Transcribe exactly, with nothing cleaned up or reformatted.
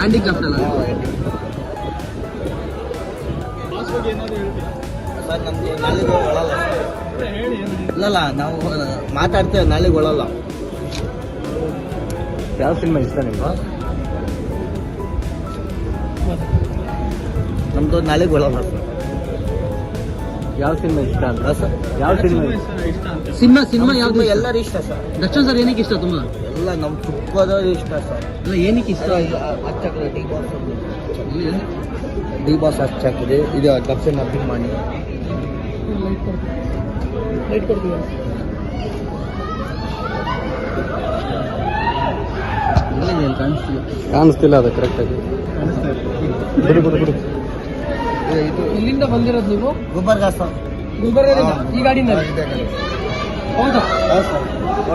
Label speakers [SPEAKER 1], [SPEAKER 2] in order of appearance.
[SPEAKER 1] Handicraft ಅಲ್ಲ
[SPEAKER 2] sir ನಮ್ಗೆ ನಾಳೆಗೆ ಒಳಲ್ಲ ಇಲ್ಲಲ್ಲ ನಾವು ಮಾತಾಡ್ತೇವೆ ನಾಳೆಗೆ ಒಳಲ್ಲ.
[SPEAKER 3] ಯಾವ ಸಿನಿಮಾ ಇಷ್ಟ ನಿಮ್ಗೆ?
[SPEAKER 2] ನಮ್ದು ನಾಳೆಗೆ ಒಳಲ್ಲ ಸರ್.
[SPEAKER 3] ಯಾವ ಸಿನಿಮಾ ಇಷ್ಟ ಅಂತ
[SPEAKER 2] ಸರ್
[SPEAKER 3] ಯಾವ ಸಿನಿಮಾ
[SPEAKER 1] ಸಿನಿಮಾ ಸಿನಿಮಾ ಯಾವ್ದು ಇಷ್ಟ?
[SPEAKER 2] ಎಲ್ಲರೂ ಇಷ್ಟ ಸರ್.
[SPEAKER 1] ದರ್ಶನ್ ಸರ್ ಏನಕ್ಕೆ ಇಷ್ಟ ತುಂಬಾ?
[SPEAKER 2] ಎಲ್ಲ ನಮ್ಮ ತುಪ್ಪದವ್ರು ಇಷ್ಟ ಸರ್.
[SPEAKER 1] ಅಲ್ಲ ಏನಕ್ಕೆ ಇಷ್ಟ?
[SPEAKER 2] ಹಚ್ಚಾಕಿದೆ ಡಿ ಬಾಸ್ ಡಿ ಬಾಸ್ ಹಚ್ಚಾಕಿದೆ. ಇದು ದರ್ಶನ್ ಅಭಿಮಾನಿ
[SPEAKER 1] ಲೈಟ್ ಕೊಡ್ತೀವಿ. ಕಾಣಿಸ್ತಿಲ್ಲ
[SPEAKER 3] ಕಾಣಿಸ್ತಿಲ್ಲ ಅದು ಕರೆಕ್ಟಾಗಿ. ಬಿಡು ಬಿಡು ಬಿಡು.
[SPEAKER 2] ಇದು
[SPEAKER 1] ಇಲ್ಲಿಂದ ಬಂದಿರೋದು ನೀವು?
[SPEAKER 2] ಗುಲ್ಬರ್ಗ ಸರ್.
[SPEAKER 1] ಗುಲ್ಬರ್ಗದಿಂದ ಈ ಗಾಡಿನಲ್ಲಿ? ಹೌದಾ?
[SPEAKER 2] ಹೌದು ಸರ್.